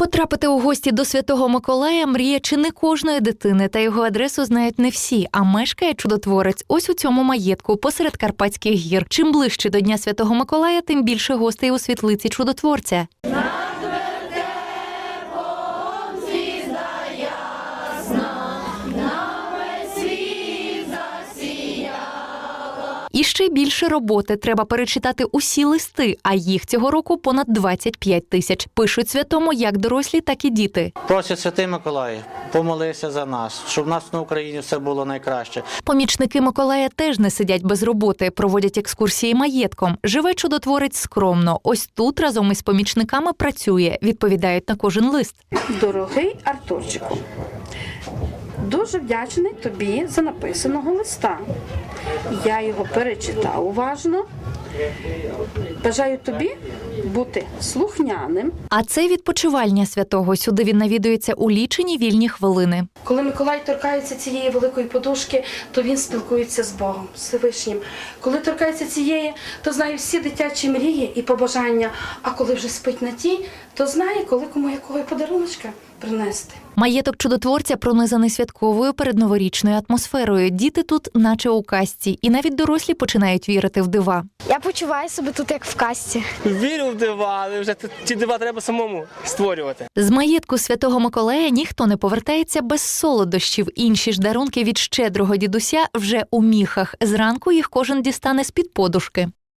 Потрапити у гості до Святого Миколая – мрія чи не кожної дитини, та його адресу знають не всі, а мешкає чудотворець ось у цьому маєтку посеред Карпатських гір. Чим ближче до Дня Святого Миколая, тим більше гостей у світлиці чудотворця. І ще більше роботи. Треба перечитати усі листи, а їх цього року понад 25 тисяч. Пишуть святому як дорослі, так і діти. Просять Святий Миколай, помолися за нас, щоб в нас на Україні все було найкраще. Помічники Миколая теж не сидять без роботи, проводять екскурсії маєтком. Живе чудотворець скромно. Ось тут разом із помічниками працює, відповідають на кожен лист. Дорогий Артурчику, дуже вдячний тобі за написаного листа. Я його перечитав уважно. Бажаю тобі бути слухняним. А це відпочивальня святого. Сюди він навідується у лічені вільні хвилини. Коли Миколай торкається цієї великої подушки, то він спілкується з Богом, з Всевишнім. Коли торкається цієї, то знає всі дитячі мрії і побажання. А коли вже спить на тій, то знає, коли кому якого подаруночка принести. Маєток чудотворця пронизаний святковою передноворічною атмосферою. Діти тут наче у казці. І навіть дорослі починають вірити в дива. Я почуваю себе тут як в казці. Вірю в дива, але вже ці дива треба самому створювати. З маєтку Святого Миколая ніхто не повертається без солодощів. Інші ж дарунки від щедрого дідуся вже у міхах. Зранку їх кожен дістане з-під подушки.